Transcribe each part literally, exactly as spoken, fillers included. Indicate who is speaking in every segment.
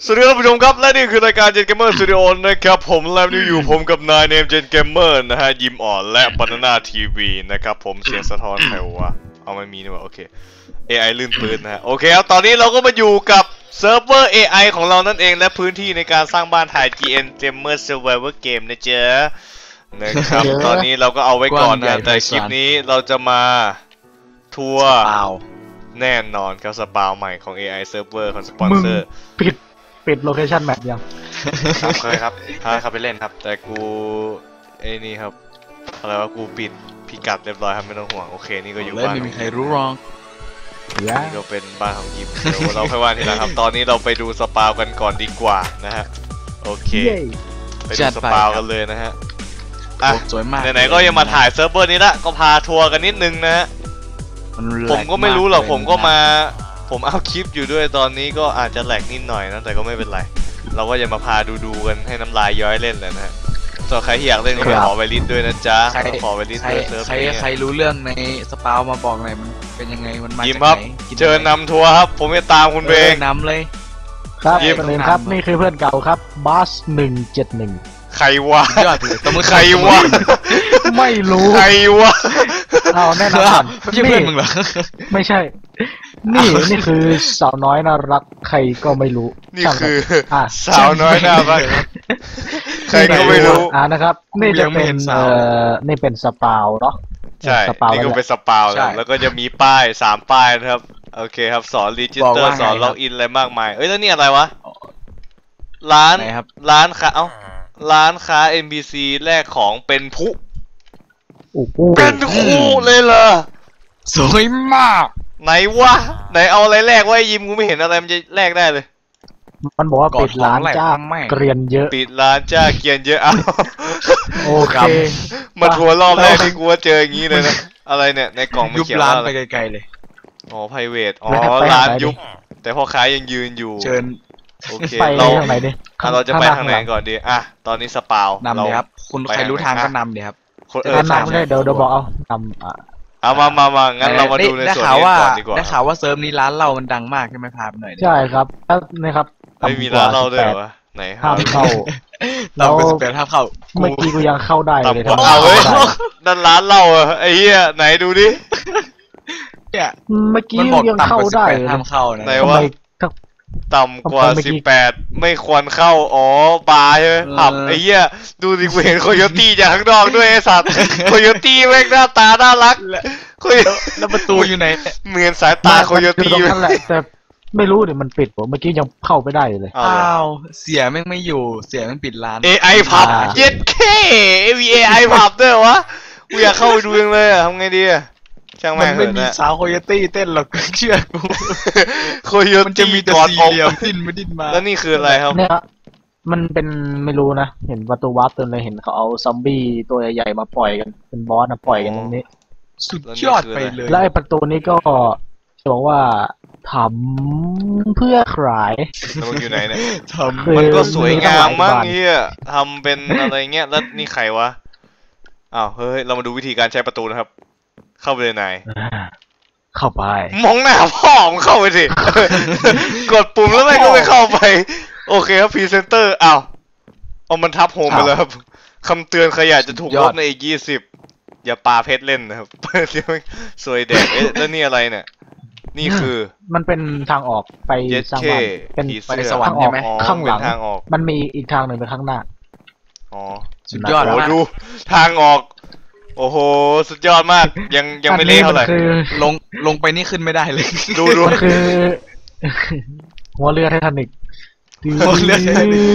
Speaker 1: สวัสดีท่านผู้ชมครับและนี่คือรายการ Gen Gamer Studio นะครับผมแล้วนี่อยู่ผมกับนายเนม Gen Gamer นะฮะยิมอ่อนและ Banana ที วี นะครับผมเสียงสะท้อนใครวะเอาไม่มีนี่หว่าโอเค เอ ไอ ลื่นปืนนะฮะโอเคครับตอนนี้เราก็มาอยู่กับเซิร์ฟเวอร์ เอ ไอ ของเรานั่นเองและพื้นที่ในการสร้างบ้านถ่าย จี เอ็น Gamer Survivor Game นะเจ๊นะครับตอนนี้เราก็เอาไว้ก่อนนะแต่คลิปนี้เราจะมาทัวร์แน่นอนครับสปาวใหม่ของ เอ ไอ Server ของสปอนเซอร์
Speaker 2: ปิดปิดโลเคชั่นแมปยัง
Speaker 1: ครับเคยครับพาเขาไปเล่นครับแต่กูไอ้นี่ครับอะไรวะกูปิดพิกัดเรียบร้อยครับไม่ต้องห่วงโอเคนี่ก็อยู่บ้าน
Speaker 3: ไม่มีใครรู้หรอก
Speaker 1: นี่ก็เป็นบ้านของยิมเดี๋ยวเราค่อยว่าทีหลังครับตอนนี้เราไปดูสปาวกันก่อนดีกว่านะฮะโอเคไปดูสปาวกันเลยนะฮะอ่ะ
Speaker 3: สวยมาก
Speaker 1: ไหนๆก็ยังมาถ่ายเซิร์ฟเวอร์นี้ละก็พาทัวร์กันนิดนึงนะฮะผมก็ไม่รู้หรอกผมก็มาผมเอาคลิปอยู่ด้วยตอนนี้ก็อาจจะแหลกนิดหน่อยนะแต่ก็ไม่เป็นไรเราก็จะมาพาดูดูกันให้น้ำลายย้อยเล่นเลยนะฮะส่วนใครที่อยากเล่นก็ขอไวลิสด้วยนะจ๊ะขอไวลิสด้วยเซิร์ฟ
Speaker 3: ใครใครรู้เรื่องในสปาวมาบอกหน่อยมันเป็นยังไงมันมาจากไหน
Speaker 1: เชิญนำทัวร์ครับผมจะตามคุณเบง
Speaker 3: นำเลย
Speaker 2: ครับยิมเลยครับนี่คือเพื่อนเก่าครับบัสหนึ่งเจ็ดหนึ่ง
Speaker 1: ใครวะ
Speaker 3: ยอดเลย
Speaker 1: ใครวะ
Speaker 2: ไม่รู้
Speaker 1: ใครวะ
Speaker 2: เอาแน่นอน
Speaker 3: ไม่ใช่เพื่อนมึงเหรอ
Speaker 2: ไม่ใช่นี่นี่คือสาวน้อยน่ารักใครก็ไม่รู้
Speaker 1: นี่คือสาวน้อยน่ารักใครก็ไม่รู้
Speaker 2: อ่านะครับนี่จะเป็นเอ่อนี่เป็นสปาวเนาะ
Speaker 1: ใช่นี่ก็เป็นสปาวแล้วก็จะมีป้ายสามป้ายนะครับโอเคครับสอนรีจิสเตอร์สอนล็อกอินอะไรมากมายเอ้ยแล้วนี่อะไรวะร้านร้านค้าเอ้าร้านค้า เอ็น พี ซี แลกของเป็นผู้เป็นคู่เลยเหรอ
Speaker 3: สวยมาก
Speaker 1: ไหนวะไหนเอาอะไรแลกวะยิมกูไม่เห็นอะไรมันจะแลกได้เลย
Speaker 2: มันบอกว่าปิดร้านจ้าเกรียนเยอะ
Speaker 1: ปิดร้านจ้าเกรียนเยอะเอา
Speaker 2: โอเค
Speaker 1: มาทัวร์รอบแรกที่กูว่าเจออย่างนี้เลยนะอะไรเนี่ยในกล่องมัน
Speaker 3: เขียนว่าอะไรไปไกลๆเลย
Speaker 1: อ๋อ private อ๋อร้านยุบแต่พ่อค้ายังยืนอยู่
Speaker 3: เชิญ
Speaker 1: โอเคเราเราจะไปทางไหนก่อนดีอ่ะตอนนี้สปาวน
Speaker 3: ำเลยครับคุณใครรู้ทางก็นำเลยครับ
Speaker 1: เออ
Speaker 2: นำเลยเดี๋ยวเดี๋ยวบอกเอานำอ่ะ
Speaker 1: เอามามามางั้นเรามาดูในส่วนนี้ก่อนดีกว่า
Speaker 3: ได้ข่าวว่าเซิร์ฟนี้ร้านเรามันดังมากใช่ไหมพาไปหน่อย
Speaker 2: ใช่ครับนะครับ
Speaker 1: ไม่มีร้านเราด้วยวะไหน
Speaker 2: ห้ามเข้า
Speaker 3: เราเป็นสเปรย์ห้ามเข้า
Speaker 2: เมื่อกี้กูยังเข้าได้เลย
Speaker 1: ครับเอาเว้ยนั่นร้านเราไอ้เหี้ยไหนดูดิ
Speaker 3: เนี่ย
Speaker 2: เมื่อกี้ยังเข้าได้
Speaker 3: ห้ามเข้านะ
Speaker 1: ไหนวะต่ำกว่าสิบแปดไม่ควรเข้าอ๋อบาร์ใช่ไหมผับไอ้เหี้ยดูดิกูเห็นโคโยตี้จากข้างนอกด้วยไอ้สัตว์โคโยตี้แม่งหน้าตาน่ารัก
Speaker 3: แล้วประตูอยู่ไหน
Speaker 1: เหมือนสายตาโคโยตี้
Speaker 2: นั่นแหละแต่ไม่รู้เดี๋ยวมันปิดผมเมื่อกี้ยังเข้าไปได้เลย
Speaker 3: อ้าวเสียแม่งไม่อยู่เสียแม่งปิดร้าน
Speaker 1: เอ ไอ ผับเย็ดเคมี เอ ไอ ผับด้วยวะกูอยากเข้าไปดูยังเลยอะทำไงดีอะช่างแม่ง
Speaker 3: มันไม่มีสาวโคโยตี้เต้นหรอกเชื่อกู
Speaker 1: โคโยตี้
Speaker 3: กอดอกดิ้นมาดิ้นมา
Speaker 1: แล้วนี่คืออะไรครับ
Speaker 2: เนี่ยมันเป็นไม่รู้นะเห็นประตูวาร์ปเต็มเลยเห็นเขาเอาซอมบี้ตัวใหญ่ๆมาปล่อยกันเป็นบอสนะปล่อยกันตรงนี้
Speaker 3: สุดยอดไปเลย
Speaker 2: แล้วไอ้ประตูนี้ก็บอกว่าทำเพื่อขาย
Speaker 1: มันอยู่ไหนเนี่ยมันก็สวยงามมากเฮียทำเป็นอะไรเงี้ยแล้วนี่ใครวะอ้าวเฮ้ยเรามาดูวิธีการใช้ประตูนะครับเข้าไปเลยนาย
Speaker 2: เข้าไป
Speaker 1: มองหน้าพ่อมึงเข้าไปสิกดปุ่มแล้วไม่ก็ไม่เข้าไปโอเคครับพรีเซนเตอร์อ้าวเอามันทับโฮมไปแล้วครับคำเตือนขยะจะถูกลบในอีกยี่สิบอย่าปาเพชรเล่นนะครับสวยแดกเอ๊ะแล้วนี่อะไรเนี่ยนี่คือ
Speaker 2: มันเป็นทางออกไปสร้างบ้าน
Speaker 1: เป็น
Speaker 2: ไปสวรรค์ใช่ไหมข้างหลังมันมีอีกทางหนึ่งไปข้างหน้า
Speaker 1: อ๋อสุดยอดโอ้ดูทางออกโอ้โหสุดยอดมากยังยังไม่เละเท่าไหร่
Speaker 3: ลงลงไปนี่ขึ้นไม่ได้เลย
Speaker 1: ดูดู
Speaker 2: คือหัวเรือไททานิก
Speaker 3: หัวเรือไททานิก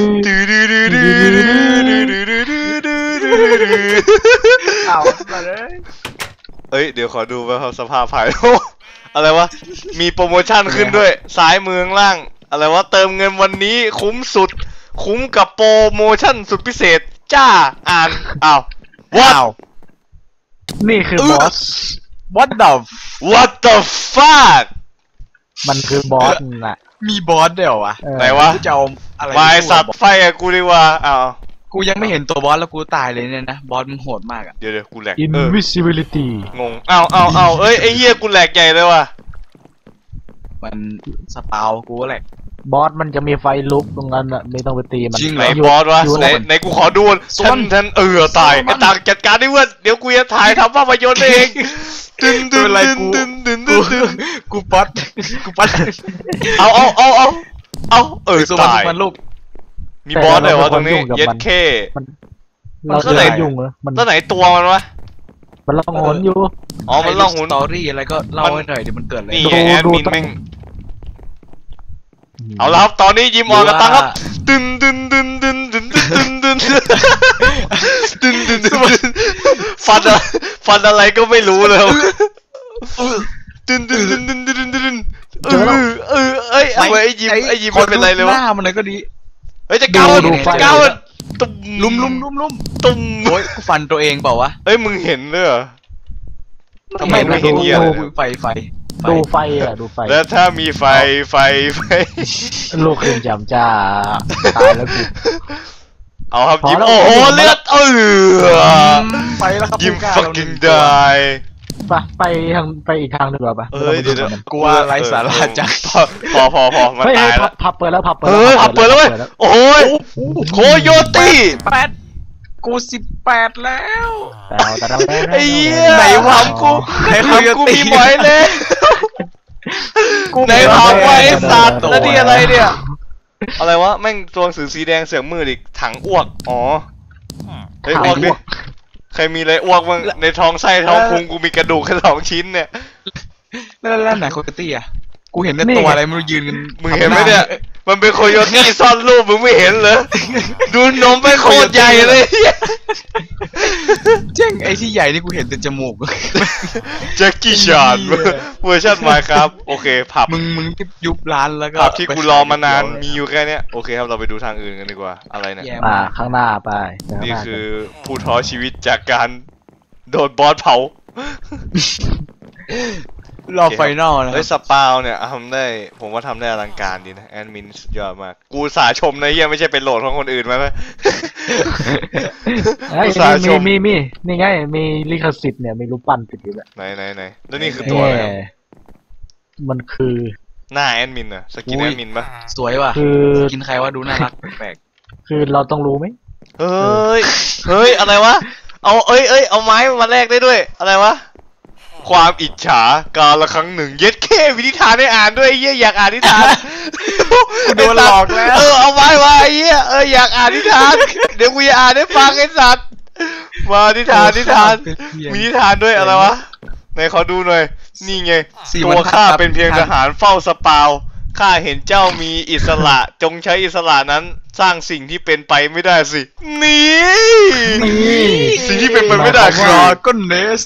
Speaker 3: เอามาเลย
Speaker 1: เอ้ยเดี๋ยวขอดูว่าเขาสภาพภายอะไรวะมีโปรโมชั่นขึ้นด้วยซ้ายมือล่างอะไรวะเติมเงินวันนี้คุ้มสุดคุ้มกับโปรโมชั่นสุดพิเศษจ้าอ่านอ้าวว้าว
Speaker 2: นี่คือบอส
Speaker 3: What the
Speaker 1: What the fuck
Speaker 2: มันคือบอสน่ะ
Speaker 3: มีบอสเดี๋ยววะ
Speaker 1: ไหนวะ
Speaker 3: จะเอาอะไร
Speaker 1: วายสัตว์ไฟอะกูดีกว่าอ้าว
Speaker 3: กูยังไม่เห็นตัวบอสแล้วกูตายเลยเนี่ยนะบอสมันโหดมากอะ
Speaker 1: เดี๋ยวเดี๋ยวกูแหลก
Speaker 2: Invisibility
Speaker 1: งงอ้าวอ้าวอ้าวเอ้ยไอ้เหี้ยกูแหลกใหญ่เลยว่ะ
Speaker 3: มันสปาวกูแหลก
Speaker 2: บอสมันจะมีไฟลุกตรงนั้นอ่ะไม่ต้องไปตีมัน
Speaker 1: ไหนบอสวะไหนไหนกูขอดูท่านท่านเออตายไอ้ต่างจัดการได้เว้ยเดี๋ยวกูจะถ่ายทำภาพยนตร์เองตึนตึนตึนตึนตึนตึน
Speaker 3: กูป๊อตกูป๊อต
Speaker 1: เอาเอาเอาเอาเอาเออ
Speaker 3: สวรร
Speaker 1: ตาย
Speaker 3: ค์มันลูก
Speaker 1: มีบอสเลยวะตรงนี้เย็ดเค
Speaker 2: เรา
Speaker 1: ก็
Speaker 2: จะ
Speaker 1: ไหน
Speaker 2: ยุ่งเหรอมัน
Speaker 1: ตัวไหนตัวมันวะ
Speaker 2: มันล่องหนอยู่
Speaker 1: อ๋อมันล่องหุน
Speaker 3: สตอรี่อะไรก็เล่าให้หน่อยเดี๋ยวมันเกิดอะไร
Speaker 1: นี่
Speaker 2: ดู
Speaker 1: ไงแอด
Speaker 2: ดู
Speaker 1: มิน
Speaker 2: ต้อง
Speaker 1: แม่งเอาละครับตอนนี้ยิมออนกับตังครับตึนตึนตึนตึนตึนตึนตึนตึนตึนตึนฟันฟันอะไรก็ไม่รู้เลยตึนตึนตึนตึนตึนตึนเออเออเอ้ยเอาไอ้ยิมไอ้ยิมมันเป็นไรเลยวะ
Speaker 3: หน้ามันเลยก็ดี
Speaker 1: เฮ้ยจะก้าวจะก้าวตุ้ม
Speaker 3: ลุมลุมลุมลุม
Speaker 1: ตุ้ม
Speaker 3: โอ้ยกูฟันตัวเองเปล่าวะ
Speaker 1: เฮ้ยมึงเห็นเลยเหรอทำไมไม่
Speaker 2: ดู
Speaker 1: เห็นเหี้ย
Speaker 2: ดู
Speaker 1: เลย
Speaker 3: ไฟไฟไฟ
Speaker 2: ดูไฟอ่ะดูไฟ
Speaker 1: แล้วถ้ามีไฟไฟไฟ
Speaker 2: ลูกขึ้นจำจ้าตายแล้วกู
Speaker 1: เอาครับ
Speaker 2: พอ
Speaker 1: ยิม
Speaker 2: แล้ว
Speaker 1: โอ้โห
Speaker 2: พอแล้ว
Speaker 1: เลือดเออ
Speaker 3: ไปแล้วครับ
Speaker 1: ยิม
Speaker 3: ผู้กล้า
Speaker 1: fucking
Speaker 3: เรา
Speaker 1: die
Speaker 2: ไปไปทางไปอีกทางหนึ่งดีกว่าปะ
Speaker 1: เอ้ยเดี๋ยว
Speaker 2: ไม่ต้องไปดูมัน
Speaker 3: กลัวไรสาระจัง
Speaker 1: พอพอพอมัน
Speaker 2: เฮ้ย
Speaker 1: ตา
Speaker 2: เฮ้
Speaker 1: ย
Speaker 2: ย
Speaker 1: แล้ว
Speaker 2: พับเปิดแล้วพับเปิด
Speaker 1: เฮ้ยขับเปิดแล้วเว้ยโอ้ยโคโยตี้
Speaker 3: แปดกูสิบแปดแล้ว
Speaker 2: แต่เอาแต่เรา
Speaker 1: ไอ้เหี้ยไหนวะกูไหนวะกูมีหมอยเลยไหนวะไว้สัตว์แล้วนี่อะไรเนี่ยอะไรวะแม่งตัวหนังสือสีแดงเสือกมืดอีกถังอ้วกอ๋อเฮ้ยอ้วกดิใครมีอะไรอ้วกบ้างในท้องไส้ท้องพุงกูมีกระดูกแค่สองชิ้นเนี่ย
Speaker 3: แล้วแล้วไหนโคโยตี้อ่ะกูเห็นแต่ตัวอะไรไม่รู้ยืนกัน
Speaker 1: มึงเห็นไหมเนี่ยมันเป็นโคโยตี้ซ่อนรูปมึงไม่เห็นเหรอดูนมไปโคตรใหญ่เลย
Speaker 3: เจ๊งไอ้ที่ใหญ่นี่กูเห็นแต่จมูก
Speaker 1: แจ็คกี้ชานเวอร์ชันมาครับโอเคผับ
Speaker 3: มึงมึงที่ยุบร้านแล้วก็
Speaker 1: ผับที่กูรอมานานมีอยู่แค่เนี้ยโอเคครับเราไปดูทางอื่นกันดีกว่าอะไรเนี่ย
Speaker 3: แย่
Speaker 2: อ่าม
Speaker 3: าก
Speaker 2: ข้างหน้าไปข้างห
Speaker 1: นี่
Speaker 2: น้า
Speaker 1: คือผู้ท้อชีวิตจากการโดนบอสเผาร
Speaker 3: อไฟนอลนะค
Speaker 1: เฮ้
Speaker 3: รั
Speaker 1: ย
Speaker 3: บ
Speaker 1: สปาวเนี่ยทำได้ผมว่าทำได้อลังการดีนะแอดมินสุดยอดมากกูสาชมนะเฮียไม่ใช่เป็นโหลดของคนอื่นมาไหม
Speaker 2: เฮ้ย
Speaker 1: อุตส่าห์ช
Speaker 2: มี
Speaker 1: ม
Speaker 2: มีมีนี่ไงมีลิขสิทธิ์เนี่ยมีรูปปั้นติดอยู่แล้ว
Speaker 1: ไหนไหนไหนแล้วนี่คือตัวอะไรครับ
Speaker 2: เอ๊ะมันคือ
Speaker 1: หน้าแอดมินอะสกินแอดมินปะ
Speaker 3: สวยว่ะ
Speaker 2: คือ
Speaker 3: กินใครว่าดูน่ารักแปลก
Speaker 2: คือเราต้องรู้ไหม
Speaker 1: เฮ้ยเฮ้ยอะไรวะเอาเอ้ยเอ้ยเอาไม้มาแลกได้ด้วยอะไรวะความอิจฉากาละครั้งหนึ่งเย็ดแค่วินิทานให้อ่านด้วยไอ้เหี้ยอยากอ่านนิทาน
Speaker 3: กูโดนหลอกแล้ว
Speaker 1: เออเอาไม้มาไอ้เหี้ยเอออยากอ่านนิทานเดี๋ยวกูจะอ่านให้ฟังไอ้สัตว์มานิทานนิทานมีนิทานด้วยอะไรวะไหนขอดูหน่อยนี่ไง
Speaker 3: สี่
Speaker 1: ตั
Speaker 3: บร
Speaker 1: ว
Speaker 3: รทัด
Speaker 1: ข้า
Speaker 3: ครับ
Speaker 1: เป็นเพียงทหารเฝ้าสปาวข้าเห็นเจ้ามีอิสระจงใช้อิสระนั้นสร้างสิ่งที่เป็นไปไม่ได้สินี่
Speaker 2: นี่
Speaker 1: สิ่งที่เป็นไปไม่ได้
Speaker 3: ด
Speaker 1: คือ
Speaker 3: ราก้อนเนส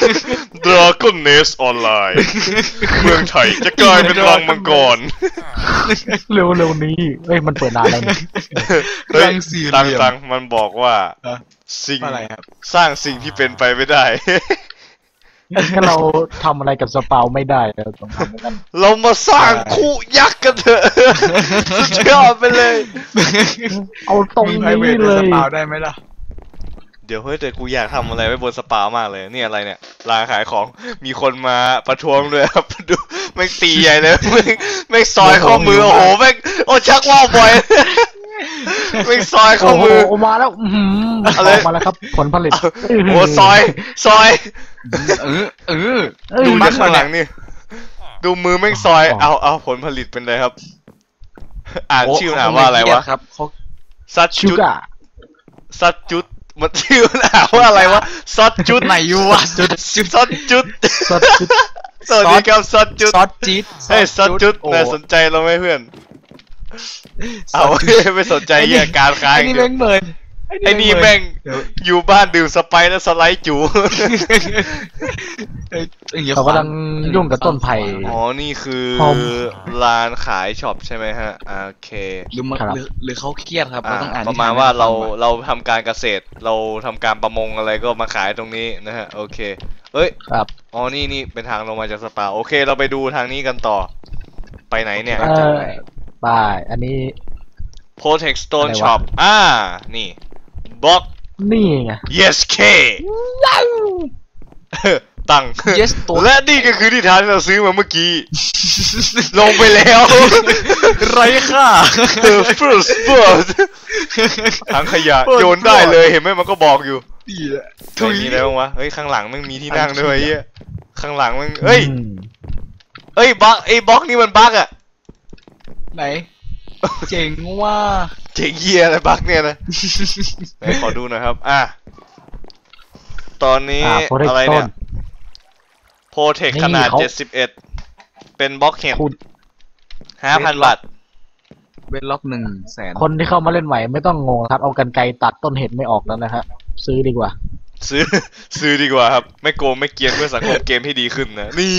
Speaker 1: Dragon Nest ออนไลน์เมืองไทยจะกลายเป็นรังมังกร
Speaker 2: เร็วเร็วๆนี้เอ้ยมันเปิดนานแล้วนี่
Speaker 1: เฮ้ย
Speaker 3: รังสี่เหลี่
Speaker 1: ตัง
Speaker 3: ยม
Speaker 1: ตังมันบอกว่า
Speaker 3: อ่ะ
Speaker 1: สิ่ง
Speaker 3: อะไรครับ
Speaker 1: สร้างสิ่งที่เป็นไปไม่ได้
Speaker 2: ถ้าเราทำอะไรกับสปาวไม่ได้เราต้องทำเหมือนกัน
Speaker 1: เรามาสร้างคู่ยักษ์กันเถอะสุดยอดไปเลย
Speaker 2: เอาตรง
Speaker 3: มึง
Speaker 2: นี้
Speaker 3: ไพรเวท
Speaker 2: เล
Speaker 3: ส
Speaker 2: ย
Speaker 3: ปาวได้ไหมล่ะ
Speaker 1: เดี๋ยวเฮ้ยแต่กูอยากทำอะไรไว้บนสปามากเลยนี่อะไรเนี่ยร้านขายของมีคนมาประท้วงด้วยครับ ดูแม่งตีใหญ่เลยแม่งแม่งซอยข้อมือโอ้โหแม่งโอ้ชักว่าวบ่อยแม่งซอยข้อ
Speaker 2: โอ้โห
Speaker 1: มือ
Speaker 2: มาแล้วอื้อหือ
Speaker 1: อะไร
Speaker 2: ออกมาแล้วครับ ผลผลิต
Speaker 1: โอ้ซอยซอย
Speaker 3: เออเออ
Speaker 2: เอ้ย
Speaker 1: ดู
Speaker 3: มั
Speaker 1: จากข้างหลังนี่ดูมือแม่งซอย
Speaker 2: อ๋อ
Speaker 1: เอาเอาผลผลิตเป็นไรครับ อ่าน
Speaker 3: โ
Speaker 1: ชื่ออ่านว่าอะไรวะ
Speaker 3: ครับเขา
Speaker 1: ซัด
Speaker 2: ชู
Speaker 1: จุด
Speaker 2: กะ
Speaker 1: ซัดจุดมันชื่ออ่านว่าอะไรวะซัดจุด
Speaker 3: ไหนอยู่วะจุดจุด
Speaker 1: ซัดจุด
Speaker 2: ซอสจุด
Speaker 1: สวัสดีครับซัดจุด
Speaker 3: ซอสจี๊ด
Speaker 1: เฮ้ยซัดจุด
Speaker 3: โอ้
Speaker 1: น่าสนใจเราไหมเพื่อน
Speaker 3: ซ
Speaker 1: เอา
Speaker 3: อสจุด
Speaker 1: ไม่สนใจเหี้ยการค้า
Speaker 3: ไอ้
Speaker 1: อย่าง
Speaker 3: นี่
Speaker 1: เดียว
Speaker 3: แม่งเหมือน
Speaker 1: ไอ้นี่แม่ง
Speaker 3: เดี๋ยว
Speaker 1: อยู่บ้านดื่มสไปร์แล้วสไลด์จู
Speaker 3: เอ้ยอย่างงี้ย
Speaker 2: เขากำลังยุ่งกับต้นไผ่
Speaker 1: อ๋อ นี่คือ
Speaker 2: ผม
Speaker 1: ร้านขายช็อปใช่ไหมฮะอ่าโอเค
Speaker 3: หรือมัน
Speaker 2: ครับ
Speaker 3: หรือหรือเขาเครียดครับ
Speaker 1: อ่า
Speaker 3: เราต้องอ่าน
Speaker 1: ประมาณ
Speaker 3: นิทน
Speaker 1: ว่าเรา
Speaker 3: ให้ฟัง
Speaker 1: เราทำการเกษตร เราทำการประมงอะไรก็มาขายตรงนี้นะฮะ โอเค เอ้ย
Speaker 2: ครับ
Speaker 1: อ๋อ นี่นี่เป็นทางลงมาจากสปา โอเค เราไปดูทางนี้กันต่อ ไปไหนเนี่ย
Speaker 2: เออไปอันนี้
Speaker 1: Protect Stone
Speaker 2: อะไรวะ
Speaker 1: Shop อ่า นี่บล็อก
Speaker 2: นี่ไง
Speaker 1: yes K ตังค์
Speaker 3: yes ตัว
Speaker 1: และนี่ก็คือนิทานที่เราซื้อมาเมื่อกี้ ลงไปแล้ว
Speaker 3: ไรค่า
Speaker 1: The first bird ถังขยะโยนได้เลยเห็นไหมมันก็บอกอยู่
Speaker 3: ดีแหละ
Speaker 1: เฮ้ยมีอะไรบ้างวะเฮ้ยข้างหลังมันมีที่นั่งด้วยไอ้เหี้ยข้างหลังมันเอ้ย
Speaker 2: อืม
Speaker 1: เอ้ยบั๊กไอ้บล็อกนี่มันบั๊กอะ
Speaker 3: ไหนเจ๋งว่า
Speaker 1: เจ๋งเหี้ยอะไรบั๊กเนี่ยนะไหนขอดูหน่อยครับอ่ะตอนนี้
Speaker 2: อ่าโปรเทค
Speaker 1: อะไร
Speaker 2: ต้
Speaker 1: เนี่
Speaker 2: น
Speaker 1: ยโปรเทคขนาด
Speaker 2: นี่เขา
Speaker 1: เจ็ดสิบเอ็ดเป็นบล็อกเห็ด
Speaker 2: คุณ
Speaker 1: ห้าพันบาท
Speaker 3: เวทล็อกหนึ่งแสน
Speaker 2: คนที่เข้ามาเล่นใหม่ไม่ต้องงงครับ เอากันไกรตัดต้นเห็ดไม่ออกแล้วนะฮะซื้อดีกว่า
Speaker 1: ซื้อ ซื้อดีกว่าครับไม่โกงไม่เกรียนเพื่อสังคมเกมที่ดีขึ้นนะนี่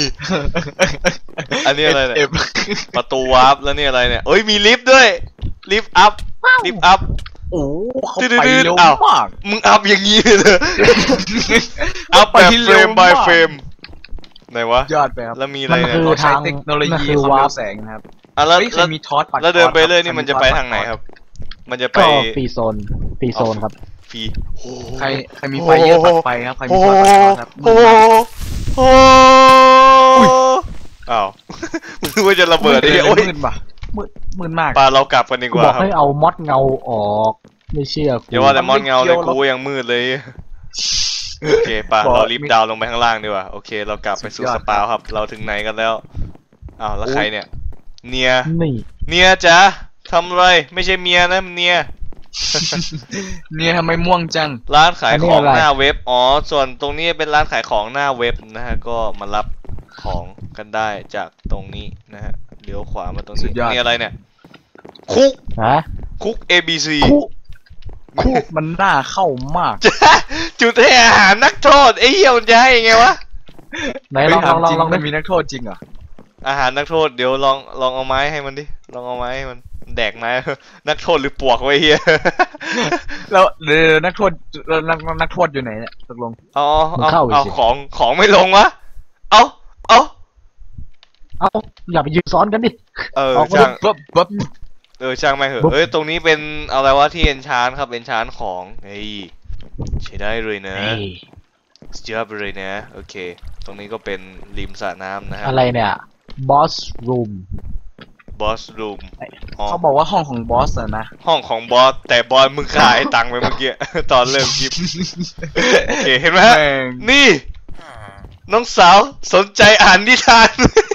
Speaker 1: อันนี้อะไรเนี่ย
Speaker 3: เอฟ
Speaker 1: ประตูวาร์ปแล้วนี่อะไรเนี่ยเอ้ยมีลิฟต์ด้วยลิฟต์อัพลิฟต์อัพ
Speaker 3: โอ้เขา
Speaker 1: ดื้อๆ
Speaker 3: ไปเร็ว
Speaker 1: อ้าว
Speaker 3: มาก
Speaker 1: มึงอัพอย่างนี้เลยอัพแบบเฟรม by เฟรมไหนวะ
Speaker 3: ยอดไปครับ
Speaker 1: แล้วมีอะไร
Speaker 2: มัน
Speaker 1: เนี่ย
Speaker 2: คือ
Speaker 3: เราใช้
Speaker 2: ทาง
Speaker 3: เทคโนโลยี
Speaker 2: นั่นคือ
Speaker 3: ความ
Speaker 2: วาร์
Speaker 3: เร็
Speaker 2: ป
Speaker 3: วแสงนะครับ
Speaker 1: อ่ะแล้ว
Speaker 3: เฮ้ยใคร
Speaker 1: แล้ว
Speaker 3: มีทอสปัด
Speaker 1: แล้วเดินไป
Speaker 3: ทอส
Speaker 1: เรื่อย
Speaker 3: ค
Speaker 1: นี่
Speaker 3: บ
Speaker 1: มันจะไปทางไหนครับ มันจะไป
Speaker 2: ก็ฟรีโซนฟรีโซนครับ
Speaker 1: ฟรีโอ้โห
Speaker 3: ใครใครมีไฟเยอะตัดไฟครับใครมี
Speaker 1: โอ้
Speaker 3: ท
Speaker 1: โห
Speaker 3: อสปัดทอสครับ
Speaker 1: โอ้โหโอ้โหอ้าว นึกว่าจะระเบิดไอ้เหี้ยโอ้ย
Speaker 3: มืดป่ะมืดมืดมาก
Speaker 1: ปาเรากลับกันดี
Speaker 2: กู
Speaker 1: ก
Speaker 2: บอ
Speaker 1: ว่าก ครับ
Speaker 2: ให้เอามอดเงาออกไม่เชื่อกู
Speaker 1: อย่าว่าแต่มอนเงาเลย
Speaker 3: ไม่เกี่ยวหรอก
Speaker 1: กูยังมืดเลยโอเคป่ะ
Speaker 3: บอก
Speaker 1: เรารีบดาวน์ลงไปข้างล่างดีกว่าโอเคเรากลับไปสู่
Speaker 3: สุดยอ
Speaker 1: ส
Speaker 3: ด
Speaker 1: ปาวครับ เราถึงไหนกันแล้วอ้าวแล้วใครเนี่ยเนีย
Speaker 2: นี่
Speaker 1: เนียจ๋าทำอะไรไม่ใช่เมียนะเนีย
Speaker 3: เนี่ยทำไมม่วงจัง
Speaker 1: ร้านขายของหน้าเว็บอ๋อส่วนตรงนี้เป็นร้านขายของหน้าเว็บนะฮะก็มารับของกันได้จากตรงนี้นะฮะเลี้ยวขวามาตรง
Speaker 3: สุ
Speaker 1: นี้
Speaker 3: ดยอด
Speaker 1: นี่อะไรเนี่ยคุก
Speaker 2: ฮะ
Speaker 1: คุก เอ บี ซี
Speaker 2: คู่คู่
Speaker 3: มันน่าเข้ามาก
Speaker 1: จุดให้อาหารนักโทษไอ้เหี้ยมันจะให้ยังไงวะ
Speaker 2: ไหนลองลองลองลอง
Speaker 3: มั
Speaker 2: ดิ
Speaker 3: นมีนักโทษจริงเหรอ
Speaker 1: อาหารนักโทษเดี๋ยวลองลองเอาไม้ให้มันดิลองเอาไม้ให้มันแดกไม้ นักโทษหรือปวกไว้เฮีย
Speaker 3: แล้วเดี๋ยวนักโทษแล้วนักนักโทษอยู่ไหนเนี่ยตกลง
Speaker 1: เอาเอาเอาเอาของของไม่ลงวะเอาเอา
Speaker 2: เอาอย่าไปยืนซ้อนกันดิ
Speaker 1: เออ
Speaker 2: ออกมา
Speaker 1: ช่าง
Speaker 3: ปั๊บปั๊บ
Speaker 1: เออช่างไม่เหอะ
Speaker 2: บุ๊บ
Speaker 1: เอ้ยตรงนี้เป็นอะไรวะที่เอนชานครับเอนชานของเฮ้ยใช้ได้เลยนะ
Speaker 2: เอ้ย
Speaker 1: เจี๊ยบเลยนะโอเค ตรงนี้ก็เป็นริมสระน้ำนะฮะ
Speaker 2: อะไรเนี่ยบอสรูม
Speaker 1: บอสรูมอ๋อ
Speaker 3: เขาบอกว่าห้องของบอสอะนะ
Speaker 1: ห้องของบอสแต่บอสมึงขายตังค์ไปเมื่อกี้ ตอนเริ่มคลิปโอเคเห็นไหมฮะ
Speaker 3: แม่ง
Speaker 1: นี่ น้องสาวสนใจอ่านนิทาน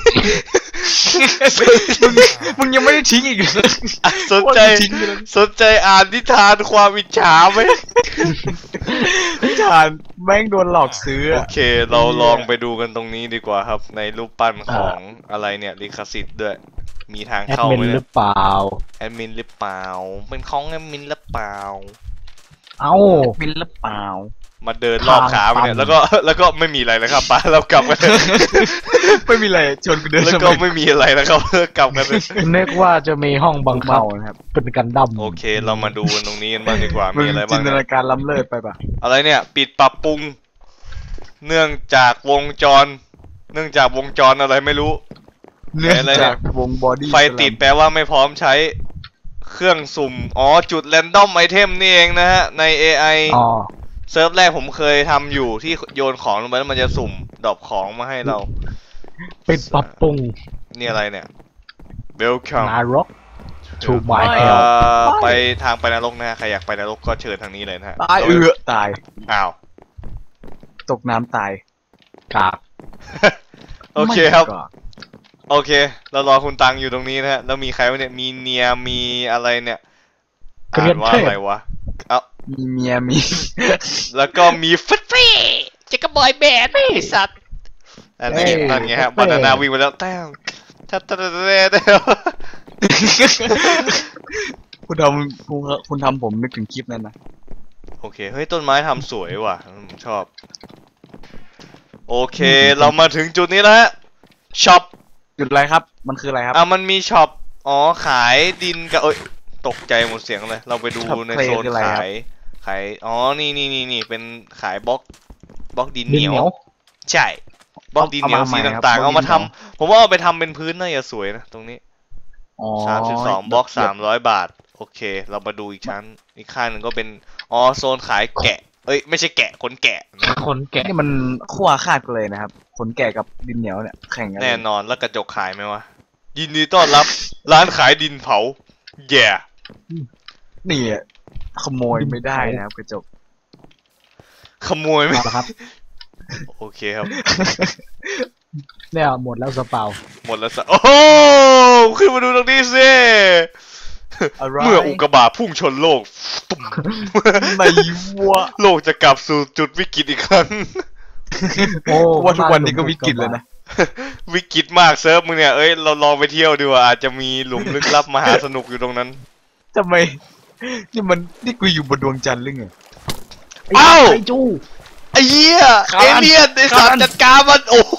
Speaker 3: มึงมึงยังไม่ได้ทิ้งอีกเลย
Speaker 1: สนใจ
Speaker 3: ว่าจะทิ้งไปแล้ว
Speaker 1: สนใจอ่านนิทานความอิจฉาไหม
Speaker 3: นิทานแม่งโดนหลอกซื้อ
Speaker 1: โอ
Speaker 3: อะ
Speaker 1: เค เราลองไปดูกันตรงนี้ดีกว่าครับ ในรูปปั้นของอะไรเนี่ยลิขสิทธิ์ด้วย มีทาง
Speaker 2: แอด
Speaker 1: เข้า
Speaker 2: มิน
Speaker 1: ไหม
Speaker 2: ห
Speaker 1: เนี่
Speaker 2: รื
Speaker 1: ย
Speaker 2: อเปล่า
Speaker 1: แอดมินหรือเปล่า เป็นของแอดมินหรือเปล่า
Speaker 2: เอ้า
Speaker 3: บินหรือเปล่า
Speaker 1: มาเดินรอบขาไปเนี่ย
Speaker 2: ทางตัน
Speaker 1: แล้วก็แล้วก็ไม่มีอะไรแล้วครับป้าเรากลับกันเถอะ
Speaker 3: ไม่มีอะไรชวนกูเดิน
Speaker 1: แล้ว
Speaker 3: ทำ
Speaker 1: ก็
Speaker 3: ไม
Speaker 1: ไม่มีอะไรแล้วครับ กลับกันเถอะ
Speaker 2: นึกว่าจะมีห้องบังคับ
Speaker 3: เมานะครับ
Speaker 2: เป็นกันดั้ม
Speaker 1: โอเค เรามาดูกันตรงนี้กันบ้างดีกว่า
Speaker 3: มึ
Speaker 1: มี
Speaker 3: ง
Speaker 1: อะไร
Speaker 3: จิ
Speaker 1: บ้าง
Speaker 3: นต
Speaker 1: เนี่ย
Speaker 3: นาการล้ำเลิศไปปะ
Speaker 1: อะไรเนี่ย ปิดปรับปรุง เนื่องจากวงจร เนื่องจากวงจรอะไรไม่รู้
Speaker 3: เนื่อง
Speaker 1: อะไรเนี่ย
Speaker 3: จากวงบอดี้
Speaker 1: ไฟติดแปลว่าไม่พร้อมใช้เครื่องสุ่ม อ๋อ จุดแรนดอมไอเทมนี่เองนะฮะ ใน เอ ไอ
Speaker 2: อ๋อ
Speaker 1: เซิร์ฟแรกผมเคยทำอยู่ที่โยนของลงไปแล้วมันจะสุ่มดรอปของมาให้เรา
Speaker 2: ปิดปรับปรุง
Speaker 1: นี่อะไรเนี่ย Welcome
Speaker 2: นารก to
Speaker 1: เอ่
Speaker 2: my hell
Speaker 1: อไปทางไปนรกนะฮะใครอยากไปนรกก็เชิญทางนี้เลยนะฮะ
Speaker 3: ตายเอือตาย
Speaker 1: อ้าว
Speaker 3: ตกน้ำตาย
Speaker 2: กาก
Speaker 1: โอเคครับ
Speaker 3: ไม่ก็
Speaker 1: โอเค เรารอคุณตังอยู่ตรงนี้นะฮะ แล้วมีใครวะเนี่ย มีเนีย มีอะไรเนี่ย อ่านว่าอะไรวะ เอ้า
Speaker 3: มีเมียมี
Speaker 1: แล้วก็มีฟิตฟี่จิกกบอยแบนด์ไอ้สัตว์ อันนี้นั่นไงฮะ บานานาวิ่งไปแล้วแต้วทัดทัดทัดทัด
Speaker 3: คุณทำคุณคุณทำผมนึกถึงคลิปนั้นนะ
Speaker 1: โอเค เฮ้ย ต้นไม้ทำสวยว่ะผมชอบ โอเค เรามาถึงจุดนี้แล้วฮะ ช็อป
Speaker 3: จุดอะไรครับ มันคืออะไรครับ
Speaker 1: อ่ะมันมีช็อป อ๋อ ขายดินกับเอ้ย ตกใจหมดเสียงเลย เราไปดู
Speaker 3: ช็อป
Speaker 1: ใน
Speaker 3: เพลย์
Speaker 1: โซน
Speaker 3: คืออะไรครับ
Speaker 1: ขาย ขาย อ๋อ นี่นี่นี่นี่เป็นขายบล็อก บล็อกดิน
Speaker 2: ดิ
Speaker 1: เห
Speaker 2: น
Speaker 1: นียว
Speaker 2: เหนียว
Speaker 1: ใช่ บล็อกดินเหนียว
Speaker 3: เอามา
Speaker 1: สี
Speaker 3: ใหม่ครับ
Speaker 1: ต่างๆ
Speaker 3: บล็
Speaker 1: เอา
Speaker 3: อกดิ
Speaker 1: มาน
Speaker 3: เหนี
Speaker 1: ทำ
Speaker 3: ยว
Speaker 1: ผมว่าเอาไปทำเป็นพื้นน่าจะสวยนะ ตรงนี้
Speaker 3: อ๋อ
Speaker 1: สามสิบสองบล็อกสามร้อยบาท โอเค เรามาดูอีกชั้น อีกข้างหนึ่งก็เป็น อ๋อ โซนขายแกะเอ้ยไม่ใช่แกะขนแกะนะ
Speaker 2: คนแกะ
Speaker 3: นี่มันขั้วขาดกันเลยนะครับขนแกะกับดินเหนียวเนี่ยแข่งกัน
Speaker 1: แน่นอนแล้วกระจกขายไหมวะยินดีต้อนรับร้านขายดินเผาแย่
Speaker 3: นี่อะขโมยไม่ได้นะครับกระจก
Speaker 1: ขโมยไหม
Speaker 2: เอาละครับ
Speaker 1: โอเคครับ
Speaker 2: เนี่ยหมดแล้วสเปา
Speaker 1: หมดแล้วสะโอ้โหขึ้นมาดูตรงนี้สิ
Speaker 3: อะไร
Speaker 1: เมื่ออุกกาบาตพุ่งชนโลกตุ่ม
Speaker 3: ในวัว
Speaker 1: โลกจะกลับสู่จุดวิกฤตอีกครั้ง
Speaker 2: โอ้
Speaker 3: ว่าทุกวันนี้ก็วิกฤตเลยนะ
Speaker 1: วิกฤตมากเซิร์ฟมึงเนี่ยเอ้ยเราลองไปเที่ยวดูว่าอาจจะมีหลุมลึกลับมหาสนุกอยู่ตรงนั้น
Speaker 3: ทำไมนี่มันนี่กูอยู่บนดวงจันทร์หรือไง
Speaker 1: เอ้า
Speaker 2: ไอ้จู
Speaker 1: ไอ้เหี้ย
Speaker 3: คาน
Speaker 1: เอเลี่ยนไอ้สัต
Speaker 3: คาน
Speaker 1: ว์จัดการมันโอ้โห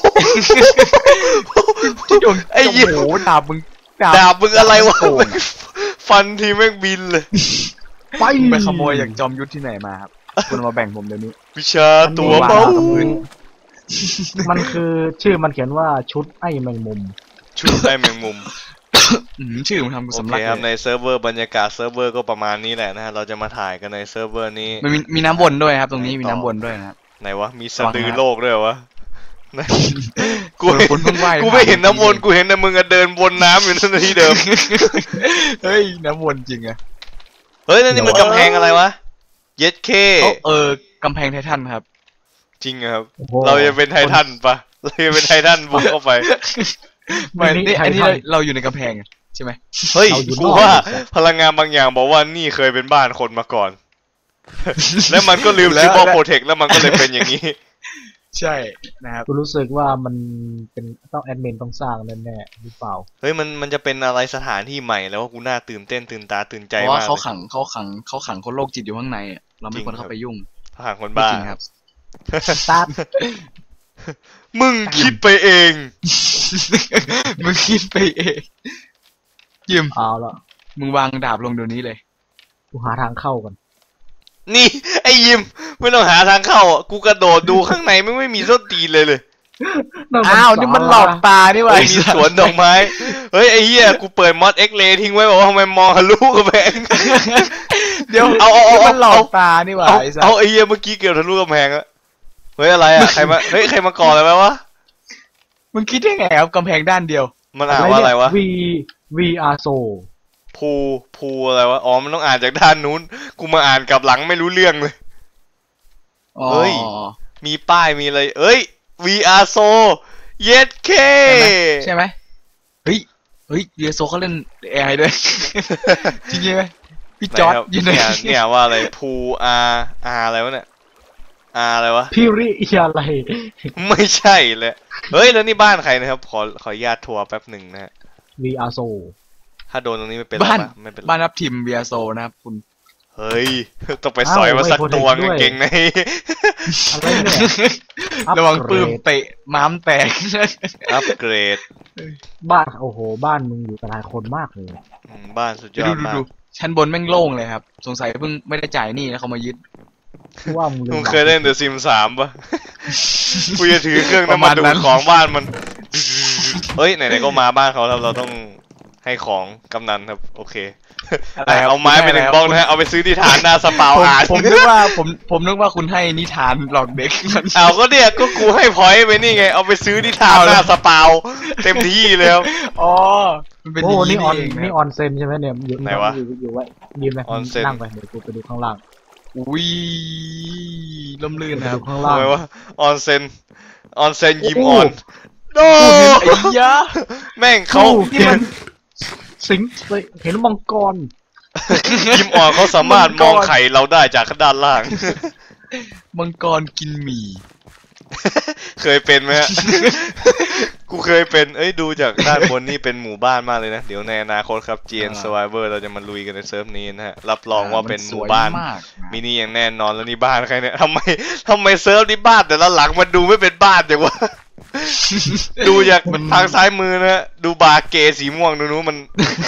Speaker 3: ที่ดวง
Speaker 1: ไอ้เหี้ย
Speaker 3: โอ้โหดาบมึง
Speaker 1: ดาบมึงอะไรวะ
Speaker 3: โกง
Speaker 1: ฟันทีแม่งบินเลย
Speaker 2: ไป
Speaker 3: ไปขโมยจากจอมยุทธที่ไหนมาครับคุณมาแบ่งผมเดี๋ยวนี้
Speaker 1: วิชาตัวเบา
Speaker 2: มันคือชื่อมันเขียนว่าชุดไอ้แมงมุม
Speaker 1: ชุดไอ้แมงมุม
Speaker 3: อืมชื่อมันทำกู
Speaker 1: โอ
Speaker 3: สำ
Speaker 1: เค
Speaker 3: ลัก
Speaker 1: ครับ
Speaker 3: เล
Speaker 1: ใน
Speaker 3: ย
Speaker 1: เซิร์ฟเวอร์บรรยากาศเซิร์ฟเวอร์ก็ประมาณนี้แหละนะฮะเราจะมาถ่ายกันในเซิร์ฟเวอร์นี้
Speaker 3: มันมีมีน้ำวนด้วยครับ ตรงนี้มีน้ำวนด้วยนะครับ
Speaker 1: ไหนวะมีสะดือโลกด้วยเหรอวะไหนกู
Speaker 3: คนคนเพิ่งว่าย
Speaker 1: กูไม่เห็นน้ำวนกูเห็นแต่มึงอะเดินวนน้ำอยู่นั่นที่เดิม
Speaker 3: เฮ้ยน้ำวนจริงอะ
Speaker 1: เฮ้ยนั่นนี่มันกำแพงอะไรวะเย็ดเค
Speaker 3: เขาเออกำแพงไททันครับ
Speaker 1: จริงอะครับ
Speaker 2: โอ้โห
Speaker 1: เราจะเป็นไททันปะเราจะเป็นไททันบุกเข้าไป
Speaker 3: ไม่
Speaker 2: นี่
Speaker 3: นี่
Speaker 2: ไททัน
Speaker 3: อันนี้เราเราอยู่ในกำแพงอะใช่ไหม
Speaker 1: เฮ้ย
Speaker 2: เราอยู่
Speaker 1: กู
Speaker 2: นอก
Speaker 1: ว่าพลังงานบางอย่างบอกว่านี่เคยเป็นบ้านคนมาก่อน แล้วมันก็ลืม
Speaker 3: แล้ว
Speaker 1: ซิปอ
Speaker 3: แล้ว
Speaker 1: โปรเทคแล้วมันก็เลยเป็นอย่างนี้
Speaker 3: ใช่นะครับ
Speaker 2: กูรู้สึกว่ามันเป็นต้องแอดมินต้องสร้างแน่ๆหรือเปล่า
Speaker 1: เฮ้ยมันมันจะเป็นอะไรสถานที่ใหม่แล้วว่ากูน่าตื่นเต้นตื่นตาตื่นใจ
Speaker 3: เพราะ
Speaker 1: มา
Speaker 3: ว่าก เขา
Speaker 1: เลย
Speaker 3: ขังเขาขังเขาขังคนโรคจิตอยู่ข้างในอะเราไม่ควรเข้าไปยุ่ง
Speaker 1: ทหารคน
Speaker 3: ไม่
Speaker 1: บ้า
Speaker 3: จริงครับ
Speaker 2: ตาด
Speaker 1: มึงคิดไปเอง
Speaker 3: มึงคิดไปเองยิม
Speaker 2: เอาละ
Speaker 3: มึงวางดาบลงเดี๋ยวนี้เลย
Speaker 2: กูหาทางเข้าก่อน
Speaker 1: นี่ ไอ้ยิมไม่ต้องหาทางเข้าอ่ะกูกระโดดดูข้างในไม่ไม่มีส้นตีนเลยเลย
Speaker 3: อ้าวนี่มันหลอกตานี่หว่า
Speaker 1: เฮ้ยมีสวนดอกไม้เฮ้ยไอ้เหี้ยกูเปิดมอดเอ็กเลทิ้งไว้บอกว่าทำไมมองทะลุกระแพง
Speaker 3: เดี๋ยว
Speaker 1: เอาเอาเอา
Speaker 3: นี่มันหลอก
Speaker 1: เอา
Speaker 3: ตานี่หว่า
Speaker 1: เอา
Speaker 3: ไอ้สัส
Speaker 1: เอาไอ้เหี้ยเมื่อกี้เกี่ยวทะลุกระแพงอะเฮ้ยอะไรอะใครมาเฮ้ยใครมาก่ออะไรไว้วะ
Speaker 3: มึงคิดได้ไงครับกำแพงด้านเดียว
Speaker 1: มันอ่านว่าอะไรวะ
Speaker 2: วีวีอาร์โซ
Speaker 1: ภูภูอะไรวะอ๋อมันต้องอ่านจากด้านนู้นกูมาอ่านกลับหลังไม่รู้เรื่องเลย เฮ้ย มีป้ายมีอะไรเอ้ย วี อาร์ So เย็ดเค
Speaker 3: ใช่ไหมเฮ้ยเฮ้ยเรียโซเขาเล่นแอร์ด้วย จริงไหมพี่จอร์ด
Speaker 1: ครับ
Speaker 3: อยู่ไหน
Speaker 1: เนี่ยเนี่ยว่าอะไรภูอาอาอะไรวะเนี่ยอาอะไรวะ
Speaker 2: พี่ริยาอะไร
Speaker 1: ไม่ใช่เลยเฮ้ยแล้วนี่บ้านใครนะครับ ขอขออนุญาตทัวร์แป๊บหนึ่งนะฮะ
Speaker 2: วีอาร์โซ
Speaker 1: ถ้าโดนตรงนี้ไม่เป็นไร
Speaker 3: บ้าน
Speaker 1: ปะไม่เป็นไร
Speaker 3: บ้านรับทีมเบียโซนะครับคุณ
Speaker 1: เฮ้ย ต้องไปสอยมาสักตัวกางเก่งใน
Speaker 2: อะไรเนี่ย
Speaker 3: ระวังปื้มเตะม้ามแตก
Speaker 1: อัปเกรด
Speaker 2: บ้านโอ้โหบ้านมึงอยู่กับหลายคนมากเลย
Speaker 1: อืมบ้านสุดย
Speaker 3: ดู
Speaker 1: อด
Speaker 3: ดู
Speaker 1: มาก
Speaker 3: ดูชั้นบนแม่งโล่งเลยครับ สงสัยเพิ่งไม่ได้จ่ายหนี้แล้วเขามายึด
Speaker 2: กูว่ามึงลื
Speaker 1: มึง
Speaker 2: บัตร
Speaker 1: เคยเล่นเดอะซิมสามปะ กูจะถือเครื่อง
Speaker 3: ประ
Speaker 1: น้ำ
Speaker 3: มา
Speaker 1: มัน
Speaker 3: ณ
Speaker 1: ดู
Speaker 3: นั้
Speaker 1: ด
Speaker 3: น
Speaker 1: ของบ้านมัน เฮ้ยไหนๆก็มาบ้านเขาแล้วเราต้องให้ของกำนันครับโอเค
Speaker 3: อะไรครับ
Speaker 1: เอาไม้ไปหนึ่งบล็อกนะฮะเอาไปซื้อที่ฐานหน้าสปาว
Speaker 3: ผม
Speaker 1: อ่าน
Speaker 3: ผมนึกว่าผมผมนึกว่าคุณให้นิทานหลอกเด็ก
Speaker 1: เอาก็เนี่ยก็กูให้พอยต์ไปนี่ไงเอาไปซื้อที่ฐาน
Speaker 3: เอา
Speaker 1: ห
Speaker 3: แล้ว
Speaker 1: น้าสปาวเต็มที่เลยครับ
Speaker 3: อ๋อมันเป็นอ
Speaker 2: โอ้
Speaker 3: ย่าง
Speaker 2: นี่ออน
Speaker 3: เอง
Speaker 2: นี่ออนเซนใช่ไหมเนี่ยอยู่
Speaker 1: ไหนวะ
Speaker 2: อยู่อยู่ไว้ยืนไหม
Speaker 1: ออนเซ็น
Speaker 2: นั่งไปเดี๋ยวกูไปดูข้างล่าง
Speaker 3: อุ้ยล่มลื่น
Speaker 2: ไป
Speaker 3: นะครั
Speaker 2: ดู
Speaker 3: บ
Speaker 2: ข้างล่าง
Speaker 1: ทำไมวะออนเซนออนเซนยิม
Speaker 2: โอ้
Speaker 1: ออนโด
Speaker 3: ไอ้ยะ
Speaker 1: แม่งเขา
Speaker 2: โอ้นี่มันสิงเห็นมังกร
Speaker 1: ยิมออนเขาสามารถมองไข่เราได้จากด้านล่าง
Speaker 3: มังกรกินหมี่
Speaker 1: เคยเป็นไหมฮะ กูเคยเป็น เอ้ยดูจากด้านบนนี่เป็นหมู่บ้านมากเลยนะ เดี๋ยวในอนาคตครับ จี เอ็น Survivor เราจะมาลุยกันในเซิร์ฟนี้นะฮะ รับรองว่าเป็นหมู่บ้าน
Speaker 3: สวยมาก
Speaker 1: มินิอย่างแน่นอนแล้วนี่บ้านใครเนี่ยทำไมทำไมเซิร์ฟนี่บ้านแต่ละหลังมันดูไม่เป็นบ้านอย่างวะ ดูจากทางซ้ายมือนะฮะ ดูบาร์เกสีม่วงดูนู้นมัน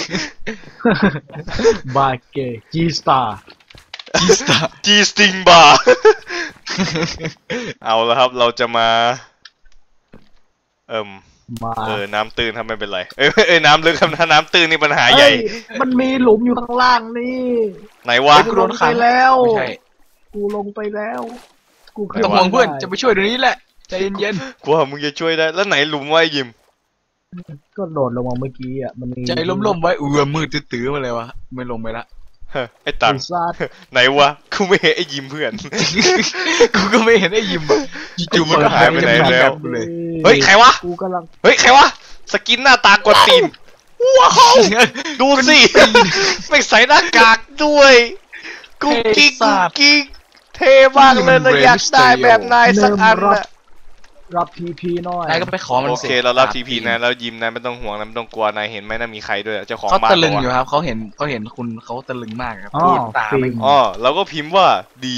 Speaker 2: บาเกจีสตาร์
Speaker 3: จีสตา
Speaker 1: จีสติงบาร์ เอาแล้วครับเราจะมา เอิ่ม
Speaker 2: มา
Speaker 1: เออ น้ำตื้นครับไม่เป็นไร เอ้ยเอ้ยน้ำลึกครับถ้าน้ำตื้นนี่ปัญหาใหญ่
Speaker 2: เอ้ยมันมีหลุมอยู่ข้างล่างนี่
Speaker 1: ไหนวะ
Speaker 3: กูโดนขัง
Speaker 2: ไปแล้ว
Speaker 3: ไม่ใช่
Speaker 2: กูลงไปแล้วกู
Speaker 3: ไม่ต้องห่วงเพื่อนจะไปช่วยเดี๋ยวนี้แหละใจเย็น
Speaker 1: กูว่ามึงจะช่วยได้แล้วไหนหลุมไว้ยิม
Speaker 2: ก็โดดลงมาเมื่อกี้อ่ะมันมี
Speaker 3: ๆใจล้มๆไว้เอือมืดตื้อๆมาเลยวะไม่ลงไปละ
Speaker 1: เฮ้ยไอ้ตัง
Speaker 2: ไอ้สัตว์
Speaker 1: ไหนวะกูไม่เห็นไอ้ยิมเพื่อน
Speaker 3: กูก็ไม่เห็นไอ้ยิมอ่ะจู่ๆมันก็หายไปไหนแล้ว เลย
Speaker 1: เฮ้ยใครวะ
Speaker 2: กูกำลัง
Speaker 1: เฮ้ยใครวะสกินหน้าตากวนตีนว้าวดูสิไม่ใส่หน้ากากด้วยกุ๊กกิ๊กกุ๊กกิ๊กเท่มากเลยเราอยากได้แบบนายสักอันนะ
Speaker 2: รับทีพีหน่อย
Speaker 3: นายก็ไปขอมัน
Speaker 1: โอ
Speaker 3: สิ
Speaker 1: เคเรารับทีพีนะแล้วยิมนะไม่ต้องห่วงนะไม่ต้องกลัวนายเห็นไหมนะมีใครด้วยเจ้าของ
Speaker 3: เขา
Speaker 1: บ้าน
Speaker 3: ตะลึง
Speaker 1: บก
Speaker 3: อยู่
Speaker 1: ว่า
Speaker 3: ครับเขาเห็นเขาเห็นคุณเขาตะลึงมากครับ
Speaker 2: อ๋อ
Speaker 3: พูดตาไม่
Speaker 2: จริง
Speaker 1: อ๋อเราก็พิมพ์ว่าดี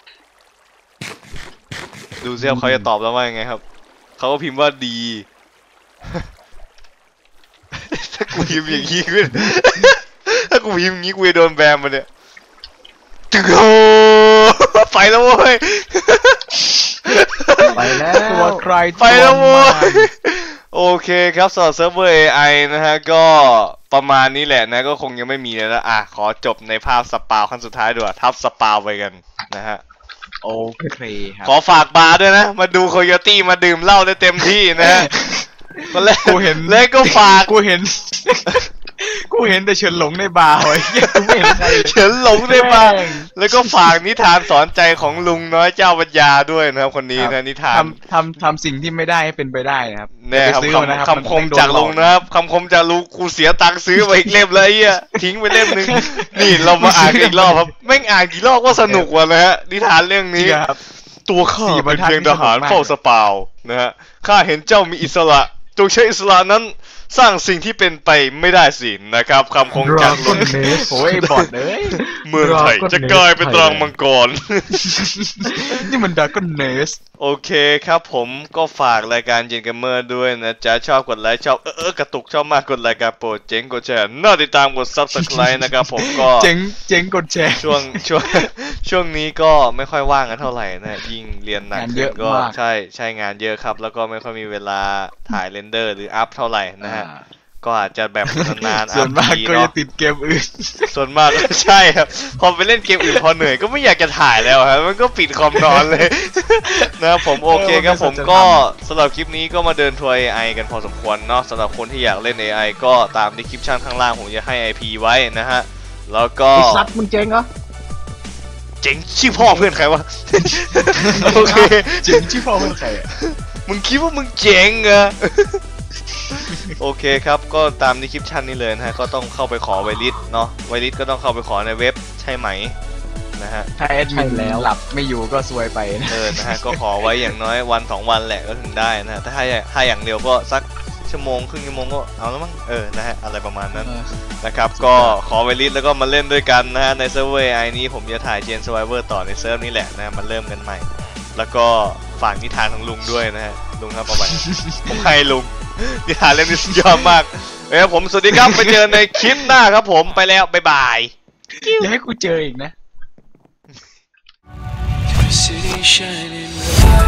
Speaker 1: ดูซิว่าเขาจะตอบเราว่ายังไงครับเขาก็พิมพ์ว่าดี ถ้ากูพิมพ์อย่างนี้ขึ้น ถ้ากูพิมพ์อย่างนี้กูจะโดนแบนมาเนี่ยตึกโอ้ไปแล้วเว้ย
Speaker 2: ไปแล้ว
Speaker 3: ตัวใคร
Speaker 1: ไปแล้ว
Speaker 3: ตั
Speaker 1: โว้
Speaker 3: มัน
Speaker 1: ยโอเคครับสำหรับเซิร์ฟเวอร์ เอ ไอ นะฮะก็ประมาณนี้แหละนะก็คงยังไม่มีแล้วนะอ่ะขอจบในภาพสปาวขั้นสุดท้ายด้วยทับสปาวไปกันนะฮะ
Speaker 3: โอเคครับ
Speaker 1: ขอฝากบาร์ด้วยนะ มาดูโคโยตี้มาดื่มเหล้าได้เต็มที่นะฮะคนแรก
Speaker 3: กูเห็น
Speaker 1: แล้วก็ฝาก
Speaker 3: กูเห็น กูเห็นแต่เฉินหลงในบาร์ไว้เหี้ยกูไม่เห็นใครเลย
Speaker 1: เฉินหลงได้บ้างแล้วก็ฝากนิทานสอนใจของลุงน้อยเจ้าปัญญาด้วยนะครับคนนี้นะนิทาน
Speaker 3: ทำทำทำสิ่งที่ไม่ได้ให้เป็นไปได้นะครับ
Speaker 1: เนี่ยครับ
Speaker 3: ไปซื้อมานะ
Speaker 1: คำ
Speaker 3: รับ
Speaker 1: คำคม
Speaker 3: นโดน
Speaker 1: จากลุง
Speaker 3: หอ
Speaker 1: นะครับคำคมจากลุงกูเสียตังค์ซื้อไปอีกเล่มเลยไอ้เหี้ยทิ้งไปเล่มหนึงนี่เรามาอ่านกันอีกรอบครับแม่งอ่านกี่รอบก็สนุกว่ะนะฮะนิทานเรื่อง
Speaker 3: จริ
Speaker 1: นี้
Speaker 3: งครับ
Speaker 1: ตัวข้า
Speaker 3: สี่บร
Speaker 1: เป็
Speaker 3: ร
Speaker 1: น
Speaker 3: ทัด
Speaker 1: เพียงทหาร
Speaker 3: นี่สนุกมาก
Speaker 1: เฝ้าสปาวนะฮะข้าเห็นเจ้ามีอิสระจงใช้อิสระนั้นสร้างสิ่งที่เป็นไปไม่ได้สินะครับคำคมจากลุง
Speaker 3: โอ้ยบอดเอ้ย
Speaker 1: เมืองไทยจะกลายเป็นตรังมังกร
Speaker 3: นี่มันดากอนเนส
Speaker 1: โอเคครับผมก็ฝากรายการเจนเกมเมอร์ด้วยนะจ๊ะชอบกดไลค์ชอบเออเออกระตุกชอบมากกดรายการโปรดเจ๋งกดแชร์น่าติดตามกด ซับสไครบ์ นะครับผมก็
Speaker 3: เจ๋งเจ๋งกดแชร์
Speaker 1: ช่วงช่วงช่วงนี้ก็ไม่ค่อยว่างกันเท่าไหร่นะยิ่งเรียนหนัก
Speaker 3: งาน
Speaker 1: ขึ้
Speaker 3: เย
Speaker 1: น
Speaker 3: อะ
Speaker 1: ก็
Speaker 3: มาก
Speaker 1: ใช่ใช่งานเยอะครับ แล้วก็ไม่ค่อยมีเวลาถ่ายเรนเดอร์หรืออัพเท่าไหร่นะฮะก็อาจจะแบบนานๆ
Speaker 3: ส่วนมาก
Speaker 1: ที
Speaker 3: ก็จะ
Speaker 1: เนาะ
Speaker 3: ติดเกมอื่น
Speaker 1: ส่วนมากก็ใช่ครับพอไปเล่นเกมอื่นพอเหนื่อยก็ไม่อยากจะถ่ายแล้วครับมันก็ปิดคอมนอนเลย นะครับผมโอเคครับผมก็สำหรับคลิปนี้ก็มาเดินทัวร์ เอ ไอ กันพอสมควรเนาะสำหรับคนที่อยากเล่น เอ ไอ ก็ตามดีคริปชั่นข้างล่างผมจะให้ ไอ พี ไว้นะฮะแล้วก็
Speaker 2: ไอ้สัตว์มึงเจ๊งเหรอ
Speaker 1: เจ๋งชื่อพ่อเพื่อนใครวะ โอเค
Speaker 3: จริงชื่อพ่อเป็นใครอะ
Speaker 1: มึงคิดว่ามึงเจ๋งเหรอ โอเคครับก็ตามในคลิปชั่นนี้เลยนะฮะก็ต้องเข้าไปขอไวลิสเนาะไวลิสก็ต้องเข้าไปขอในเว็บใช่ไหมนะฮะ
Speaker 3: ถ้าแอดมินหลับไม่อยู่ก็ซวยไปนะ
Speaker 1: เออนะฮะก็ขอไว้อย่างน้อยวันสองวันแหละก็ถึงได้นะฮะถ้าให้ถ้าอย่างเร็วก็สักชั่วโมงครึ่งชั่วโมงก็เอาแล้วมั้งเออนะฮะอะไรประมาณนั้นนะครับก็ขอไวลิสแล้วก็มาเล่นด้วยกันนะฮะในเซิร์ฟเวอร์ไอนี้ผมจะถ่ายเจนสไวเวอร์ต่อในเซิร์ฟนี้แหละนะมาเริ่มกันใหม่ แล้วก็ฝากนิทานของลุงด้วยนะฮะลุงครับเอาไว้ ผมให้ลุงนิทานเล่มนี้สุดยอดมากเอ้ยผมสวัสดีครับไปเจอในคลิปหน้าครับผมไปแล้วบ๊ายบาย
Speaker 3: อย่าให้กูเจออีกนะ
Speaker 4: City shining bright.